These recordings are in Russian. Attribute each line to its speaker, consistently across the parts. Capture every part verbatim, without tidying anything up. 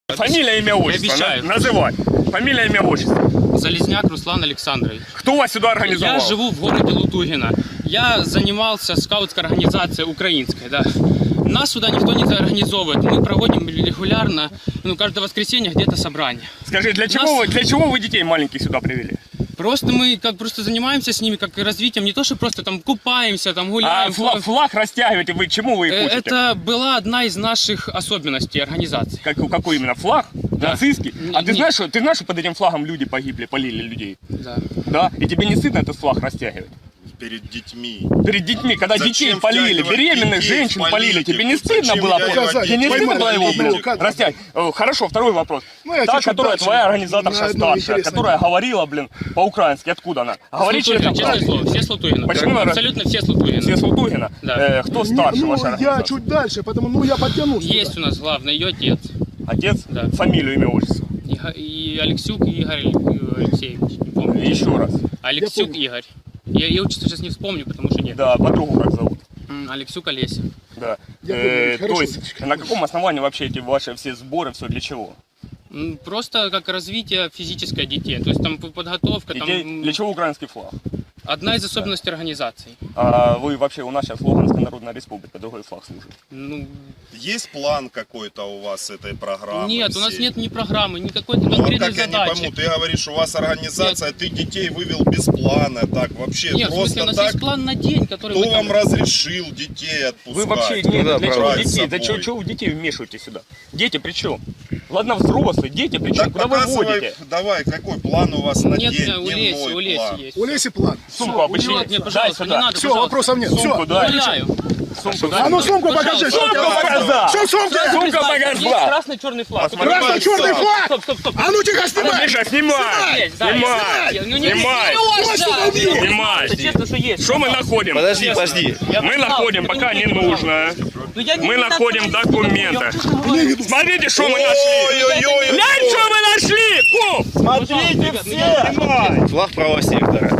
Speaker 1: Фамилия, имя, отчество. На, называй. Фамилия, имя, отчество.
Speaker 2: Залезняк Руслан Александрович.
Speaker 1: Кто вас сюда организовал?
Speaker 2: Я живу в городе Лутугино. Я занимался скаутской организацией украинской, да. Нас сюда никто не организовывает. Мы проводим регулярно, ну, каждое воскресенье где-то собрание.
Speaker 1: Скажи, для чего, Нас... вы, для чего вы детей маленьких сюда привели?
Speaker 2: Просто мы как просто занимаемся с ними, как развитием, не то, что просто там купаемся, там гуляем.
Speaker 1: А флаг, флаг растягиваете, вы чему вы их учите?
Speaker 2: Это была одна из наших особенностей организации.
Speaker 1: Как, какой именно флаг?
Speaker 2: Да.
Speaker 1: Нацистский? А
Speaker 2: не,
Speaker 1: ты знаешь, что, ты знаешь, что под этим флагом люди погибли, полили людей?
Speaker 2: Да.
Speaker 1: Да? И тебе не стыдно этот флаг растягивать?
Speaker 3: Перед детьми.
Speaker 1: Перед детьми, когда
Speaker 3: Зачем
Speaker 1: детей полили, беременных
Speaker 3: детей
Speaker 1: женщин полили, тебе не
Speaker 3: Зачем
Speaker 1: стыдно было? Тебе не стыдно было его, блин, растягивать? Хорошо, второй вопрос.
Speaker 4: Ну,
Speaker 1: Та, которая дальше, твоя организаторша старшая, которая говорила, блин, по-украински, откуда она? Говорит через
Speaker 2: честное слово, все с Лутугина.
Speaker 1: Почему?
Speaker 2: Абсолютно все с Лутугина.
Speaker 1: Все с Лутугина?
Speaker 2: Да.
Speaker 1: Э, кто старше
Speaker 4: ну,
Speaker 1: ваша
Speaker 4: я
Speaker 1: организация?
Speaker 4: чуть дальше, потому ну я подтянусь.
Speaker 2: Есть
Speaker 4: туда.
Speaker 2: у нас главный, ее отец.
Speaker 1: Отец?
Speaker 2: Да.
Speaker 1: Фамилию, имя, отчество.
Speaker 2: И, и Алексюк Игорь Алексеевич, не помню.
Speaker 1: Еще раз.
Speaker 2: Алексюк Игорь. Я, я отчество сейчас не вспомню, потому что нет.
Speaker 1: Да, подругу как зовут?
Speaker 2: М, Алексюк Олеся.
Speaker 1: Да.
Speaker 4: Я
Speaker 1: Э,
Speaker 4: помню,
Speaker 1: то есть, на каком основании вообще эти ваши все сборы, все для чего?
Speaker 2: М, Просто как развитие физическое детей. То есть там подготовка,
Speaker 1: Детей,
Speaker 2: там
Speaker 1: для чего украинский флаг?
Speaker 2: одна из особенностей организации.
Speaker 1: А вы вообще, у нас сейчас Луганская Народная Республика, другой флаг служит.
Speaker 2: Ну,
Speaker 3: Есть план какой-то у вас этой программы?
Speaker 2: нет, у нас
Speaker 3: всей?
Speaker 2: нет ни программы, ни какой-то
Speaker 3: Ну, а
Speaker 2: конкретной
Speaker 3: как я не
Speaker 2: задачи.
Speaker 3: пойму, ты говоришь, у вас организация, ты детей вывел без плана, так, вообще,
Speaker 2: Нет, в
Speaker 3: просто
Speaker 2: смысле, у нас
Speaker 3: так?
Speaker 2: есть план на день, который
Speaker 3: Кто
Speaker 2: мы там...
Speaker 3: вам разрешил детей отпускать?
Speaker 1: Вы вообще не,
Speaker 3: Куда
Speaker 1: для чего
Speaker 3: брать с
Speaker 1: детей? Да
Speaker 3: собой?
Speaker 1: чего вы детей вмешиваете сюда? Дети при чем? Ладно, взрослые, дети при чем?
Speaker 3: Так
Speaker 1: Куда вы
Speaker 3: показывай,
Speaker 1: водите?
Speaker 3: давай, какой план у вас на
Speaker 2: Нет,
Speaker 3: день,
Speaker 2: у Леси,
Speaker 3: дневной
Speaker 2: у Леси
Speaker 3: план?
Speaker 2: есть.
Speaker 4: У Леси план.
Speaker 1: Сумку опусти.
Speaker 2: Нет, нет,
Speaker 1: Дай
Speaker 2: пожалуйста, не
Speaker 1: сюда.
Speaker 2: надо,
Speaker 4: Все,
Speaker 2: пожалуйста.
Speaker 4: вопросов нет.
Speaker 1: Сумку
Speaker 4: Все.
Speaker 1: дай.
Speaker 2: Гуляю.
Speaker 1: Сумку
Speaker 4: А ну сумку покажи.
Speaker 2: Пожалуйста.
Speaker 4: Что
Speaker 1: Сумку показал.
Speaker 4: Что в сумке?
Speaker 1: Сумка
Speaker 2: Есть
Speaker 1: показала.
Speaker 2: красный-черный флаг.
Speaker 1: Посмотри.
Speaker 4: Красный-черный флаг.
Speaker 2: Стоп, стоп, стоп.
Speaker 4: А ну тихо, снимай.
Speaker 1: Миша, снимай!
Speaker 2: Есть, да,
Speaker 1: Снимай!
Speaker 2: есть. Ну, не-
Speaker 1: Снимай!
Speaker 2: не- не- не-
Speaker 1: Снимай!
Speaker 2: Честно, что есть.
Speaker 1: Что мы находим?
Speaker 5: Подожди, подожди.
Speaker 2: Я
Speaker 1: Мы
Speaker 2: знал,
Speaker 1: находим,
Speaker 2: что
Speaker 1: пока
Speaker 2: ты
Speaker 1: не
Speaker 2: не
Speaker 1: нужно.
Speaker 2: Ну, я не-
Speaker 1: Мы
Speaker 2: не
Speaker 1: находим
Speaker 2: так,
Speaker 1: документы.
Speaker 2: я-
Speaker 1: Смотрите, что мы нашли!
Speaker 3: Ой-ой-ой!
Speaker 1: Глянь, что мы нашли! Куп!
Speaker 2: Смотрите все!
Speaker 1: Снимай!
Speaker 5: Флаг правого сектора.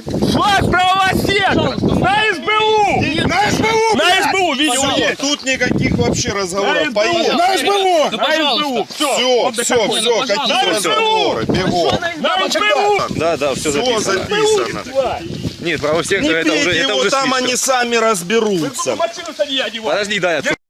Speaker 1: Флаг правого сектора! На СБУ!
Speaker 4: На СБУ,
Speaker 1: На
Speaker 4: блядь.
Speaker 1: СБУ, видео есть!
Speaker 3: Тут никаких вообще разговоров,
Speaker 1: На
Speaker 3: поехали!
Speaker 4: На СБУ.
Speaker 2: Ну,
Speaker 1: На СБУ!
Speaker 2: пожалуйста.
Speaker 1: Все!
Speaker 3: Все, все,
Speaker 2: такое,
Speaker 3: все,
Speaker 2: ну,
Speaker 3: какие
Speaker 2: пожалуйста.
Speaker 3: разговоры, бегом!
Speaker 1: На СБУ!
Speaker 5: Да, да, все
Speaker 3: Все
Speaker 5: записано.
Speaker 3: записано.
Speaker 5: Нет, правого
Speaker 3: Не
Speaker 5: сектора это уже,
Speaker 3: пейте
Speaker 5: это
Speaker 3: его,
Speaker 5: уже
Speaker 3: там
Speaker 5: слишком.
Speaker 3: они сами разберутся.
Speaker 1: Машину сади, одевай!
Speaker 5: Подожди, дай я.